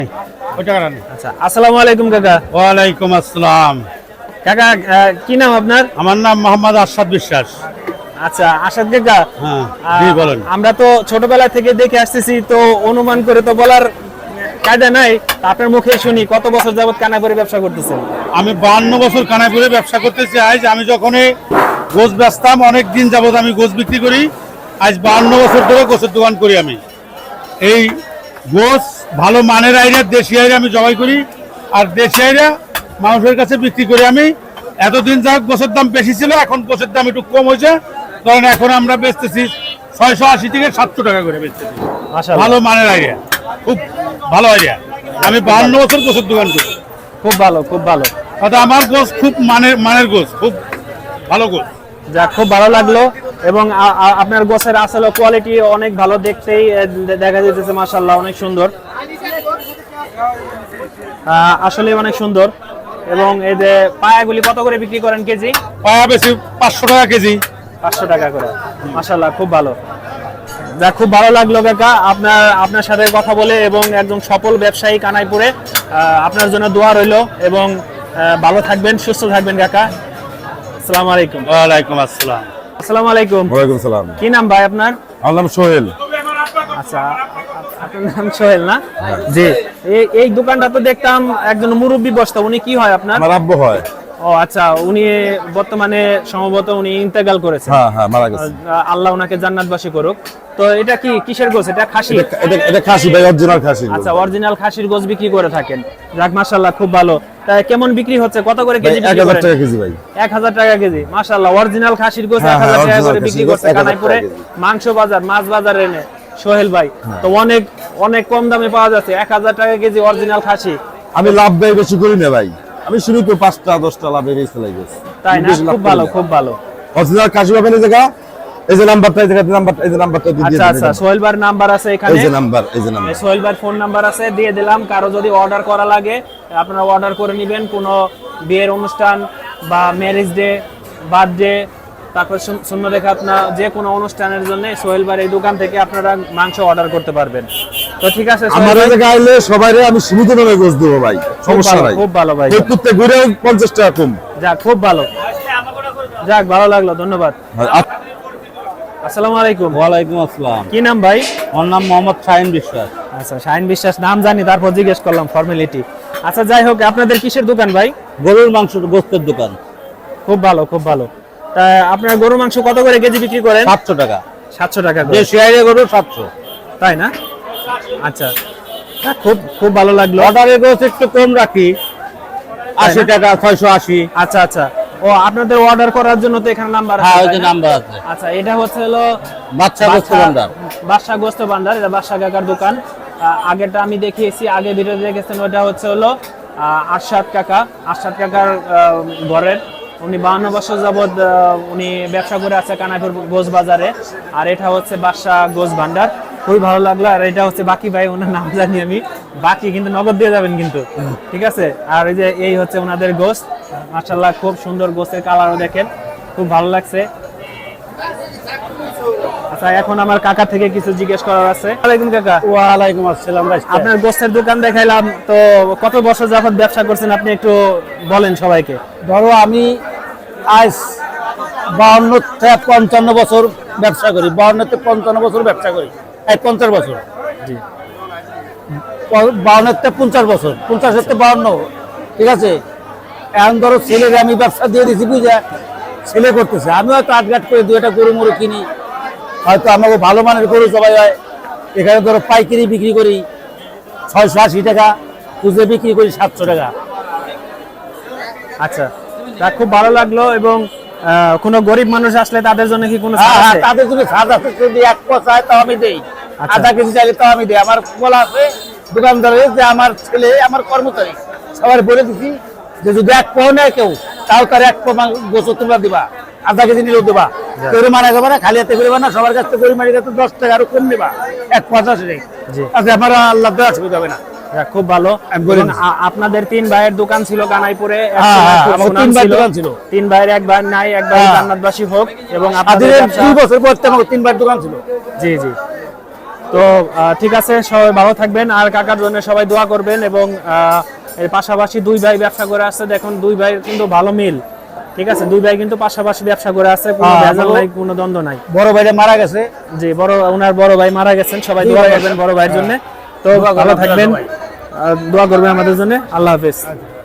আচ্ছা, আসসালামু আলাইকুম কাকা। ওয়ালাইকুম আসসালাম। কাকা কি নাম আপনার? আমার নাম মোহাম্মদ আরশাদ বিশ্বাস। আচ্ছা আসাদ কাকা, হ্যাঁ, জি বলেন। আমরা তো ছোটবেলা থেকে দেখে আসতেছি, তো অনুমান করে তো বলার কায়দা নাই। আপনার মুখে শুনি কত বছর যাবত কানাইপুরে ব্যবসা করতেছেন? আমি 52 বছর কানাইপুরে ব্যবসা করতেছি। আজ আমি যখন গোছ বেচতাম, অনেক দিন যাবত আমি গোছ বিক্রি করি। আজ 52 বছর ধরে গোছের দোকান করি। আমি এই গোছ ভালো মানের আইরা, দেশি আইরা আমি জবাই করি, আর দেশি আইরা মানুষের কাছে বিক্রি করি। আমি এতদিন যা গোছের দাম বেশি ছিল, এখন গোছের দাম একটু কম হয়েছে, কারণ এখন আমরা বেচতেছি 680 থেকে 700 টাকা করে বেচতেছি। ভালো মানের আইরা, খুব ভালো আইডিয়া। আমি 52 বছর গোছের দোকান করি। খুব ভালো, খুব ভালো। আমার গোছ খুব মানের গোছ, খুব ভালো গোছ। যা খুব ভালো লাগলো। এবং আপনার গোছের আসলে কোয়ালিটি অনেক ভালো, দেখতেই দেখা যাচ্ছে মাশাআল্লাহ, অনেক সুন্দর, আসলে অনেক সুন্দর। এবং এই যে পায়াগুলি কত করে বিক্রি করেন কেজি? পায়া বেশি 500 টাকা কেজি। 500 টাকা করে, মাশাআল্লাহ, খুব ভালো। যা খুব ভালো লাগলো কাকা আপনার সাথে কথা বলে, এবং একদম সফল ব্যবসায়ী কানাইপুরে। আপনার জন্য দোয়া রইল, এবং ভালো থাকবেন, সুস্থ থাকবেন কাকা। আসসালামু আলাইকুম। ওয়ালাইকুম আসসালাম। আসসালামু আলাইকুম। ওয়ালাইকুম সালাম। কি নাম ভাই আপনার? আমার নাম সোহেল। আচ্ছা, আপনার নাম সোহেল না? জি। এই দোকানটা তো দেখতাম একজন মুরব্বী বসতো, উনি কি হয় আপনার? আমার আব্বু হয়। ও আচ্ছা, উনি বর্তমানে সম্ভবত উনি ইন্তেকাল করেছেন। হ্যাঁ, মারা গেছে। আল্লাহ ওনাকে জান্নাতবাসী করুক। তো এটা কি কিসের গোছ? এটা খাসি? এটা খাসি ভাই, অরিজিনাল খাসি। আচ্ছা, অরিজিনাল খাসির গোছ বিক্রি করে থাকেন। যাক মাশাআল্লাহ, খুব ভালো। তা কেমন বিক্রি হচ্ছে? কত করে কেজি বিক্রি করেন? 1000 টাকা কেজি ভাই। 1000 টাকা কেজি, মাশাআল্লাহ। অরিজিনাল খাসির গোছ 1000 টাকা করে বিক্রি করছে কানাইপুরে মাংস বাজার, মাছ বাজারে এনে সোহেল ভাই। তো অনেক অনেক কম দামে পাওয়া যাচ্ছে, 1000 টাকা কেজি অরিজিনাল খাসি। আমি লাভ ব্যয় বেশি করি না ভাই, আমি শুরু তো 5টা 10টা লাভে বেশি চলে গেছে। তাই না? খুব ভালো, খুব ভালো। অরিজিনাল খাসি পাবেন এই জায়গা, এই যে নাম্বারটা, এই যে নাম্বারটা দিয়ে দিন। আচ্ছা, সোহেল ভাইয়ের নাম্বার আছে এখানে, এই যে নাম্বার। সোহেল ভাইয়ের ফোন নাম্বার আছে, দিয়ে দিলাম। কারো যদি অর্ডার করা লাগে আপনারা অর্ডার করে নেবেন, কোনো বিয়ের অনুষ্ঠান বা ম্যারেজ ডে, বার্থডে, তারপর শূন্যরেখা, আপনার যে কোনো অনুষ্ঠানের জন্য সোহেল ভাইয়ের এই দোকান থেকে আপনারা মাংস অর্ডার করতে পারবেন। তো ঠিক আছে, আমার জায়গা আইলে সবাইরে আমি সীমিত দামে গোশ দেব ভাই, সমস্যা নাই। খুব ভালো ভাই, প্রত্যেকটা ঘুরে 50 টাকা কম। যাক খুব ভালো, যাক ভালো লাগলো, ধন্যবাদ। আসসালামু আলাইকুম। ওয়ালাইকুম আসসালাম। কি নাম ভাই? আমার নাম মোহাম্মদ শাহিন বিশ্বাস। আচ্ছা, শাহিন বিশ্বাস নাম জানি, তারপর জিজ্ঞেস করলাম ফর্মালিটি। আচ্ছা, যাই হোক, আপনাদের কিসের দোকান ভাই? গরুর মাংস গোস্তের দোকান। খুব ভালো, খুব ভালো। তা আপনার গরু মাংস কত করে কেজি বিক্রি করেন? 700 টাকা। 700 টাকা করে। দেশি আইরা গরু 700। তাই না? আচ্ছা, খুব খুব ভালো লাগলো। অর্ডারের গোছ একটু কম রাখি, 80 টাকা, 680। আচ্ছা আচ্ছা, ও আপনাদের অর্ডার করার জন্য তো এখানে নাম্বার আছে। হ্যাঁ, ওই তাই যে না? নাম্বার আছে। আচ্ছা, এটা হচ্ছে হলো বাদশা গোস্ত ভান্ডার। বাদশা গোস্ত ভান্ডার, এটা বাদশা কাকার দোকান। আগেরটা আমি দেখিয়েছি, আগে ভিডিও দেখেছেন, ওটা হচ্ছে হলো আরশাদ কাকার ঘরের। উনি 52 বছর যাবৎ উনি ব্যবসা করে আছে কানাইপুর গোছ বাজারে। আর এটা হচ্ছে বাদশা গোছ ভান্ডার। খুবই ভালো লাগলো। আর এটা হচ্ছে বাকি ভাই, ওনার নাম জানি আমি। বাকি কিন্তু নগদ দিয়ে যাবেন কিন্তু, ঠিক আছে? আর এই যে এই হচ্ছে ওনাদের গোছ, মাশাআল্লাহ, খুব সুন্দর গোছের কালারও দেখেন, খুব ভালো লাগছে। আচ্ছা, এখন আমার কাকা থেকে কিছু জিজ্ঞেস করার আছে। ওয়ালাইকুম কাকা। ওয়ালাইকুম আসসালাম। আপনার গোছের দোকান দেখাইলাম, তো কত বছর যাবত ব্যবসা করছেন আপনি একটু বলেন সবাইকে। ধরো আমি আজ 52 থেকে 55 বছর ব্যবসা করি। 52 থেকে 55 বছর ব্যবসা করি, 50 বছর। জি। 52 থেকে 50 বছর, 50 থেকে 52, ঠিক আছে? এখন ধরো ছেলের আমি ব্যবসা দিয়ে দিচ্ছি, বুঝে ছেলে করতেছে। আমি হয়তো আটঘাট করে 2টা গরু মরু কিনি, হয়তো আমাকে ভালো মানের গরু সবাই হয়। এখানে ধরো পাইকারি বিক্রি করি 680 টাকা, খুচরে বিক্রি করি 700 টাকা। আচ্ছা, তা খুব ভালো লাগলো। এবং কোনো গরিব মানুষ আসলে তাদের জন্য কি কোনো ছাড় আছে? তাদের জন্য ছাড় আছে, যদি 1 পোয়া চায় তাও আমি দেই, আধা কেজি চাইলে তাও আমি দেই। আমার বলা আছে দোকানদারের যে আমার ছেলে, আমার কর্মচারী সবার বলে দিচ্ছি যে যদি 1 পোয়া নেয় কেউ, তাও তার 1 পোয়া গোছ তোমরা দিবা, আধা কেজি নিলেও দেবা। কেউ মানা যাবে না, খালি হাতে করবে না, সবার কাছ থেকে গরিব কাছে 10 টাকা আরো কম নেবা, 1.50 টাকা। আচ্ছা, আমার আল্লাহ দেওয়া অসুবিধা হবে না। খুব ভালো। আপনাদের 3 ভাইয়ের দোকান ছিল কানাইপুরে, 3 ভাইয়ের, 1 ভাই নাই, 1 ভাই জান্নাতবাসী হোক। এবং আপনাদের 2 বছর পর 3 ভাইয়ের দোকান ছিল। জি জি। তো ঠিক আছে, সবাই ভালো থাকবেন আর কাকার জন্য সবাই দোয়া করবেন। এবং এর পাশাপাশি দুই ভাই ব্যবসা করে আসছে, দেখুন দুই ভাই কিন্তু ভালো মিল, ঠিক আছে, দুই ভাই কিন্তু পাশাপাশি ব্যবসা করে আছে, কোনো ভেজাল নাই, কোনো দ্বন্দ্ব নাই। বড় ভাইটা মারা গেছে, জি, ওনার বড় ভাই মারা গেছেন, সবাই দোয়া করবেন বড় ভাইয়ের জন্য। তো ভালো থাকবেন, দোয়া করবেন আমাদের জন্য। আল্লাহ হাফেজ।